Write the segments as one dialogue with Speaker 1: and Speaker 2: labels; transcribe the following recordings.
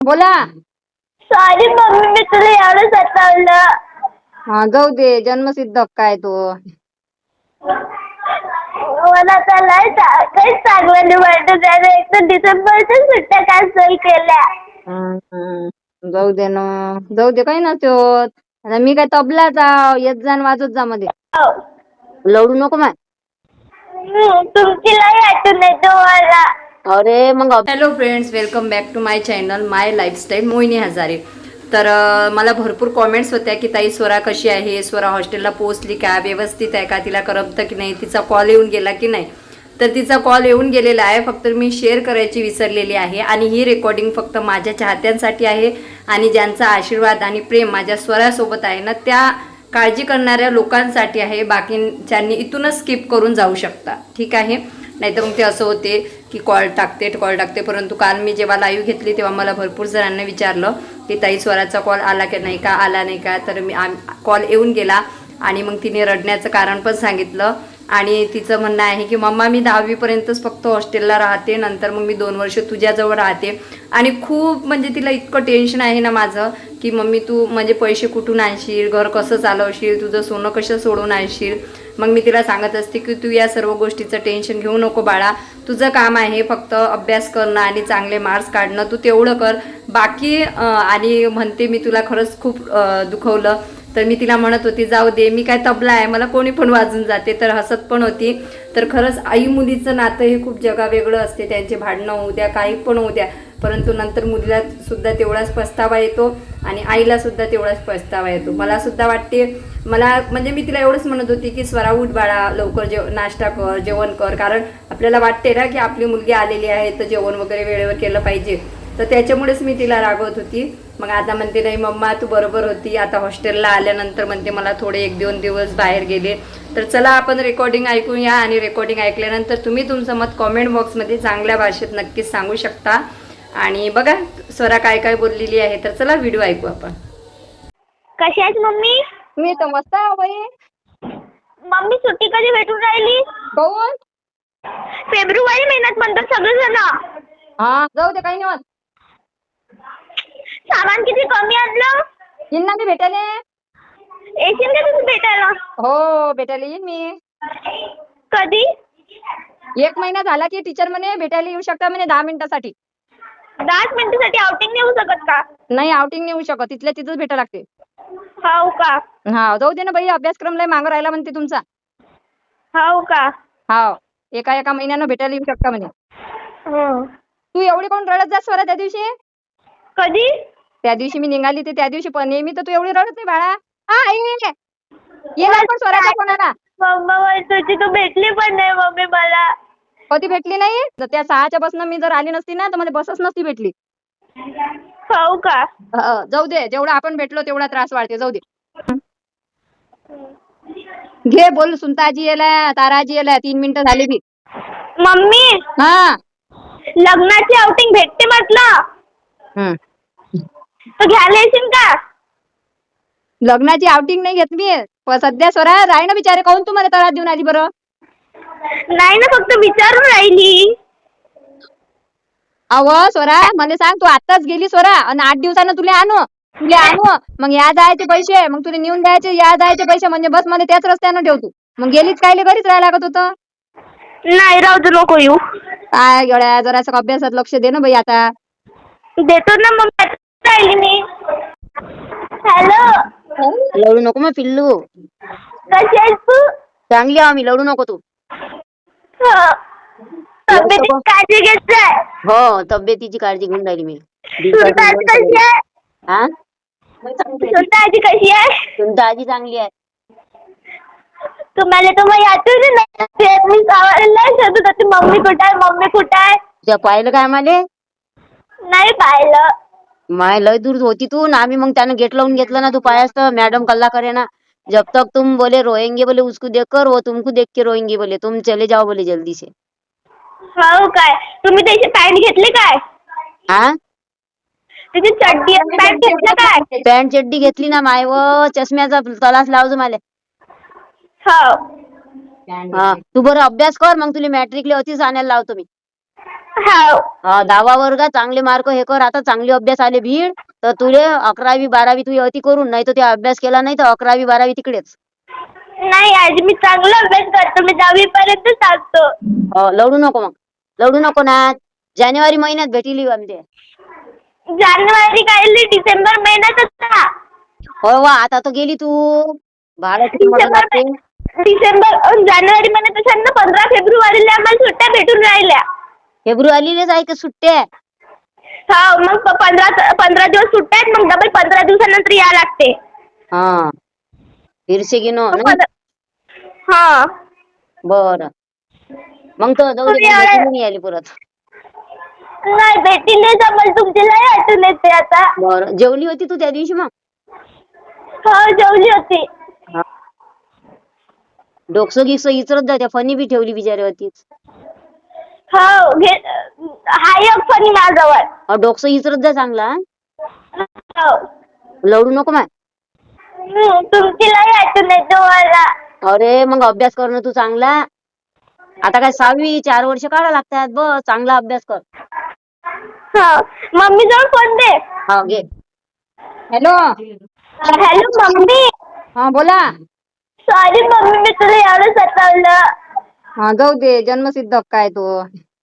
Speaker 1: बोला.
Speaker 2: Sorry mummy, मी तुला एवढं सतावलं.
Speaker 1: हा जाऊ दे, जन्मसिद्ध हक्क आहे तो.
Speaker 2: मला तर काहीच चांगलं नाही वाटत. त्याने एक तर डिसेंबरच्या सुट्ट्या कॅन्सल केल्या.
Speaker 1: जाऊ दे ना, जाऊ दे, काही नसतो. आता मी काय तबलाचा येत जा वाजत जा मध्ये. लढू नको माय.
Speaker 2: तुमची लई आठवण येते मला.
Speaker 1: अरे मग hello friends, welcome back to my channel my lifestyle Mohini Hazare. तर मला भरपूर कॉमेंट्स होत्या की ताई स्वरा कशी आहे, स्वरा हॉस्टेलला पोहोचली का, व्यवस्थित आहे का, तिला करमतं की नाही, तिचा कॉल येऊन गेला की नाही. तर तिचा कॉल येऊन गेलेला आहे, फक्त मी शेअर करायची विसरलेली आहे. आणि ही रेकॉर्डिंग फक्त माझ्या चाहत्यांसाठी आहे आणि ज्यांचा आशीर्वाद आणि प्रेम माझ्या स्वरासोबत आहे ना, त्या काळजी करणाऱ्या लोकांसाठी आहे. बाकीच्यांनी इथूनच स्किप करून जाऊ शकता, ठीक आहे. नाहीतर मग ते असं होते की कॉल टाकते. परंतु काल मी जेव्हा लाईव्ह घेतली तेव्हा मला भरपूर जणांना विचारलं की ताई स्वराचा कॉल आला की नाही का, आला नाही का. तर मी कॉल येऊन गेला आणि मग तिने रडण्याचं कारण पण सांगितलं. आणि तिचं म्हणणं आहे की मम्मा मी 10वीपर्यंतच फक्त हॉस्टेलला राहते, नंतर मग मी 2 वर्ष तुझ्याजवळ राहते. आणि खूप म्हणजे तिला इतकं टेन्शन आहे ना माझं की मम्मी तू म्हणजे पैसे कुठून आणशील, घर कसं चालवशील, तुझं सोनं कसं सोडून आणशील. मग मी तिला सांगत असते की तू या सर्व गोष्टीचं टेन्शन घेऊ नको बाळा, तुझं काम आहे फक्त अभ्यास करणं आणि चांगले मार्क्स काढणं, तू तेवढं कर. बाकी आणि म्हणते मी तुला खरंच खूप दुखवलं. तर मी तिला म्हणत होती जाऊ दे, मी काय तबला आहे, मला कोणी पण वाजून जाते. तर हसत पण होती. तर खरंच आई मुलीचं नातं हे खूप जगावेगळं असते. त्यांचे भांडणं होऊ द्या, काही पण होऊ द्या, परंतु नंतर मुलीला सुद्धा तेवढाच पस्तावा येतो आणि आईला सुद्धा तेवढाच पस्तावा येतो. मला सुद्धा वाटते, मला म्हणजे मी तिला एवढंच म्हणत होती की स्वरा उठ बाळा, लवकर नाश्ता कर, जेवण कर. कारण आपल्याला वाटते ना की आपली मुलगी आलेली आहे तर जेवण वगैरे वेळेवर केलं पाहिजे. तर त्याच्यामुळेच मी तिला रागवत होती. मग आता म्हणते नाही मम्मा तू बरोबर होती, आता हॉस्टेलला आल्यानंतर म्हणते मला थोडे 1-2 दिवस बाहेर गेले. तर चला आपण रेकॉर्डिंग ऐकूया आणि रेकॉर्डिंग ऐकल्यानंतर तुम्ही तुमचं मत कॉमेंट बॉक्समध्ये चांगल्या भाषेत नक्कीच सांगू शकता. आणि बघा स्वरा काय काय बोललेली आहे. तर चला व्हिडिओ ऐकू आपण.
Speaker 2: कशी आहेस मम्मी?
Speaker 1: मी तर मस्त आहे बाई.
Speaker 2: मम्मी सुट्टी कधी भेटून राहिली?
Speaker 1: कोण?
Speaker 2: फेब्रुवारी महिन्यात म्हणतात सगळेजण.
Speaker 1: हा जाऊ दे, काही नाही होत.
Speaker 2: सामान किती कमी आणलं?
Speaker 1: येईन मी भेटायला.
Speaker 2: येशील का तुम्ही भेटायला?
Speaker 1: हो भेटायला येईन मी.
Speaker 2: कधी?
Speaker 1: 1 महिना झाला की टीचर म्हणे भेटायला येऊ शकता म्हणे 10 मिनिटासाठी.
Speaker 2: 10 मिनिटासाठी आउटिंग नाही होऊ शकत का?
Speaker 1: नाही आउटिंग नाही होऊ शकत, तिथल्या तिथंच भेटायला लागते.
Speaker 2: हो का?
Speaker 1: हा जाऊ दे ना बाई, अभ्यासक्रम लय मागं राहिला म्हणते तुमचा.
Speaker 2: हो का?
Speaker 1: हा एका महिन्यानं भेटायला येऊ शकता म्हणे. तू एवढी कोण रडत जास स्वरा त्या दिवशी?
Speaker 2: कधी?
Speaker 1: त्या दिवशी मी निघाली ते त्या दिवशी, पण नेहमी तर तू एवढी रडत नाही बाळा. हा आई ये लवकर स्वराच्या कोणाला.
Speaker 2: मम्मा तुझी तू भेटली पण नाही मम्मी मला.
Speaker 1: कधी भेटली नाही? तर त्या 6च्या बसनं मी जर आली नसती ना तर मला बसच नसती भेटली.
Speaker 2: हो का?
Speaker 1: जाऊ दे, जेवढा आपण भेटलो तेवढा त्रास वाढते, जाऊ दे. घे बोल, सुनताजी येला, ताराजी येला, 3 मिनिटं झाली बी.
Speaker 2: मम्मी
Speaker 1: हा
Speaker 2: लग्नाची आउटिंग भेटते म्हटलं, तर घ्यायला येशील का?
Speaker 1: लग्नाची आउटिंग नाही घेत मी सध्या. स्वरा राही ना बिचारे, काहून तू मला त्रास देऊन आली बरं?
Speaker 2: नाही ना, फक्त विचारून राहिली.
Speaker 1: अव स्वरा मला सांग, तू आताच गेली स्वरा आणि 8 दिवसानं तुला आणू मग या जायचे पैसे, मग तुला नेऊन द्यायचे या जायचे पैसे, म्हणजे बस मध्ये त्याच रस्त्यानं ठेवतो. मग गेलीच कायले, घरीच राहायला लागत होतं.
Speaker 2: नाही राहू दे, नको येऊ.
Speaker 1: काय गड्या, जरासं अभ्यासात लक्ष दे ना बाई आता.
Speaker 2: देतो ना मग, राहिली मी. हॅलो,
Speaker 1: लढू नको मग पिल्लू.
Speaker 2: कशी आहेस तू?
Speaker 1: चांगली आम्ही, लढू नको तू.
Speaker 2: तब्येतीची काळजी घेत जाय.
Speaker 1: हो तब्येतीची काळजी घेऊन राहिली मी.
Speaker 2: सुनताजी कशी आहे?
Speaker 1: हा
Speaker 2: सुनताजी कशी आहे?
Speaker 1: तुमची आजी चांगली आहे.
Speaker 2: तुम्हाला तर मग आठवण नाही. मी सावरला शोधत होती, मम्मी कुठे आहे, मम्मी कुठे आहे.
Speaker 1: तुझ्या पाहिलं काय आम्हाला?
Speaker 2: नाही पाहिलं.
Speaker 1: माय लय दूर होती तू ना, आम्ही मग त्यानं गेट लावून घेतलं ना, तू पायास तर मॅडम कल्ला करे ना, जब तक तुम बोले रोएंगे बोले उसको देख कर, वो तुमको देख के रोएंगे बोले, तुम चले जाओ बोले जल्दी से.
Speaker 2: हो काय? तुम्ही त्याची पॅन्ट घेतली काय?
Speaker 1: हा
Speaker 2: त्याची चड्डी पॅन्ट घेतलं काय?
Speaker 1: पॅन्ट चड्डी घेतली ना माय, व चष्म्याचा तलास लावजो मला.
Speaker 2: हो.
Speaker 1: हा तू बरं अभ्यास कर, मग तुला मॅट्रिकला अतिच आणायला लावतो मी.
Speaker 2: हाव.
Speaker 3: 10वा वर्गात चांगले मार्क हे कर. आता चांगले अभ्यास आले भीड तर तुले 11वी 12वी तुझी अति करून, नाही तर ते अभ्यास केला नाही तर 11वी 12वी तिकडेच.
Speaker 2: नाही आजी, मी चांगला अभ्यास करतो. मी 10वी पर्यंत सांगतो.
Speaker 3: लढू नको मग. लढू नको ना. जानेवारी महिन्यात भेटीली आमचे.
Speaker 2: जानेवारी काय डिसेंबर महिन्यात होता.
Speaker 3: हो वा, आता तर गेली तू. भाडं किती मोठं लागते.
Speaker 2: जानेवारी महिन्यात असेल ना. 15 फेब्रुवारीला आम्हाला सुट्ट्या भेटून राहिल्या.
Speaker 3: फेब्रुवारीलाच आहे का सुट्ट्या?
Speaker 2: हा, मग 15 दिवस सुट्ट्या आहेत. मग डबल 15 दिवसानंतर या लागते.
Speaker 3: हा, फिरसे गिनो
Speaker 2: हा.
Speaker 3: बर. मग तर जाऊ दे,
Speaker 2: तुम्ही
Speaker 3: भेटी नाही आली परत.
Speaker 2: नाही भेटी नाही जमल. तुमची लय आठवण येते आता.
Speaker 3: बरं, जेवली होती तू त्या दिवशी मग?
Speaker 2: हो, जेवली होती.
Speaker 3: डोकसं गिकसं इचरत जा. त्या फणी बी ठेवली बिचारी होतीच.
Speaker 2: हो, हाय एक फणी माझ्याजवळ.
Speaker 3: डोकसं इचरत जा चांगला.
Speaker 2: हो.
Speaker 3: लढू नको मग.
Speaker 2: तुमची लय आठवण येते मला.
Speaker 3: अरे मग अभ्यास कर ना तू चांगला. आता काय 6वी 4 वर्ष काढा लागतात. बस चांगला अभ्यास कर.
Speaker 2: हो. मम्मी जवळ फोन दे.
Speaker 3: हा घे.
Speaker 1: हॅलो.
Speaker 2: Hello mummy.
Speaker 1: हा बोला.
Speaker 2: सॉरी मम्मी, मी तुला एवढं सतावलं.
Speaker 1: हा जाऊ दे, जन्मसिद्ध हक्क आहे तो.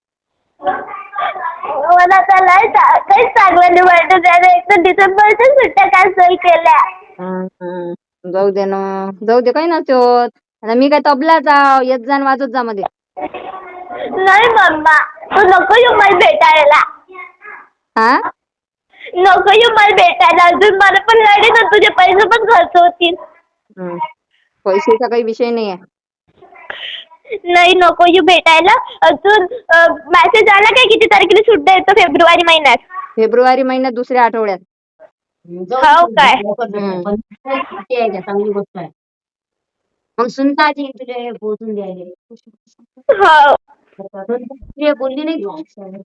Speaker 2: मला तर काहीच चांगलं नाही वाटत. त्याने एक तर डिसेंबरच्या सुट्ट्या कॅन्सल केल्या.
Speaker 1: जाऊ दे ना. जाऊ दे, काही नसते होत. आता मी काय तबलाच येत जा वाजत जा मध्ये.
Speaker 2: नाही मम्मा, तू नको येऊ मला भेटायला.
Speaker 1: हा,
Speaker 2: नको येऊ मला भेटायला. अजून मला पण लढे ना, तुझे पैसे पण खर्च होतील.
Speaker 1: पैशाचा काही विषय नाही आहे.
Speaker 2: नाही नको येऊ भेटायला. अजून मेसेज आला काय किती तारखेला सुट्ट्या येतो फेब्रुवारी महिन्यात?
Speaker 1: फेब्रुवारी महिन्यात दुसऱ्या आठवड्यात.
Speaker 2: हो काय?
Speaker 3: चांगली गोष्ट आहे. मग सुनता तुला पोहोचून द्यायला.
Speaker 2: हो.
Speaker 3: बोलली नाही तू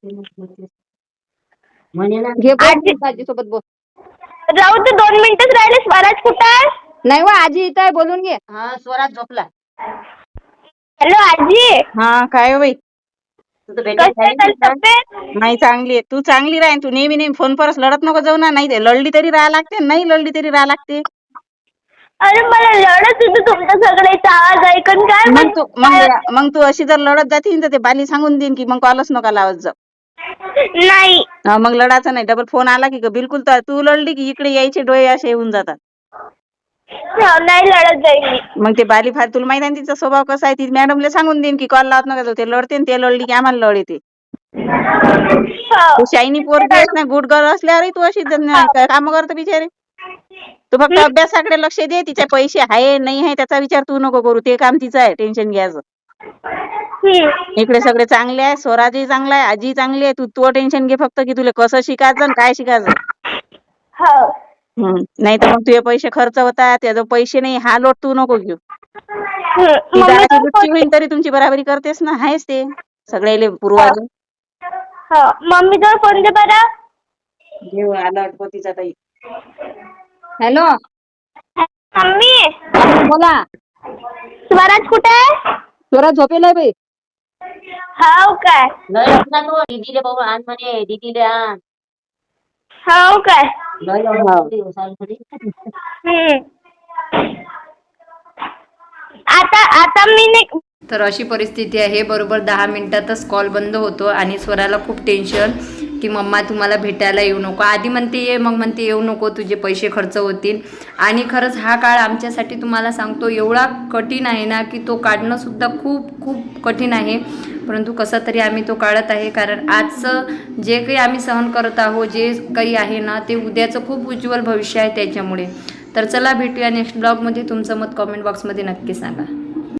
Speaker 3: म्हणे ना.
Speaker 1: घे बोल, आजी सोबत बोल.
Speaker 2: राहू दे, 2 मिनिटच राहिले. स्वराज कुठं आहे?
Speaker 1: नाही वा, आजी इथं आहे, बोलून घे.
Speaker 3: हा, स्वरात झोपला.
Speaker 2: हॅलो आजी.
Speaker 4: हा, काय हो बाई?
Speaker 3: तू तर
Speaker 2: कशी
Speaker 3: भेटायला
Speaker 2: आहे
Speaker 3: झाली
Speaker 2: तब्येत?
Speaker 4: नाही, चांगली आहे. तू चांगली राह. तू नेहमी नेहमी फोन परस लढत नको जाऊ ना. नाही ते लढली तरी राहा लागते, नाही लढली तरी राहा लागते.
Speaker 2: अरे मला लढत होतं तुमचं सगळ्याचा आवाज ऐकून. काय
Speaker 4: मग तू अशी जर लढत जातीन तर ते बाली सांगून देईन की मग कॉलच नका लावत जा.
Speaker 2: नाही.
Speaker 4: मग लढायचं नाही. डबल फोन आला की बिलकुल तू लढली की इकडे यायचे डोळे असे होऊन जातात.
Speaker 2: नाही लढत जाईल मी.
Speaker 4: मग ते बाली फार तुला माहिती आहे तिचा स्वभाव कसा आहे. ती मॅडमला सांगून देईन की कॉल लावत नका जाऊ. ते लढते ते लढली की आम्हाला लढ येते. तू शायनी पोरगी आहेस ना, गुड गर्ल असल्यावरही तू अशी काम करतो बिचारे. तू फक्त अभ्यासाकडे लक्ष दे. तिचे पैसे आहे नाही आहे त्याचा विचार तू नको करू. ते काम तिचं आहे, टेन्शन घ्यायचं. इकडे सगळे चांगले आहे. स्वराजही चांगला आहे, आजी चांगली आहे. तू टेन्शन घे फक्त की तुला कसं शिकायचं आणि काय शिकायचं. नाही तर मग तुझे पैसे खर्च होतात. त्याचे पैसे नाही हा लोट तू नको घेऊ. ती दाराची लुच्ची होईन तरी तुमची बराबरी करतेस ना. आहेस ते सगळ्याले पूर्वाला.
Speaker 2: मम्मी जवळ फोन दे बरं.
Speaker 4: घेऊ आला अटपतीचा ताई.
Speaker 1: हॅलो.
Speaker 2: मम्मी.
Speaker 1: बोला.
Speaker 2: स्वराज कुठे आहे?
Speaker 1: स्वराज झोपेला आहे बाई.
Speaker 2: हो काय?
Speaker 3: लय असला तो दीदीले बाबू आण म्हणे. दीदीले आण.
Speaker 2: हो काय? आता मी नाही.
Speaker 1: तर अशी परिस्थिती आहे. बरोबर 10 मिनिटातच कॉल बंद होतो आणि स्वराला खूप टेन्शन की मम्मा तुम्हाला भेटायला येऊ नको. आधी म्हणते ये, मग म्हणते येऊ नको, तुझे पैसे खर्च होतील. आणि खरंच हा काळ आमच्यासाठी तुम्हाला सांगतो एवढा कठीण आहे ना की तो काढणं सुद्धा खूप खूप कठीण आहे. परंतु कसा तरी आम्ही तो काढत आहे. कारण आजचं जे काही आम्ही सहन करत आहोत, जे काही आहे ना, ते उद्याचं खूप उज्ज्वल भविष्य आहे त्याच्यामुळे. तर चला भेटूया नेक्स्ट ब्लॉगमध्ये. तुमचं मत कॉमेंट बॉक्समध्ये नक्की सांगा.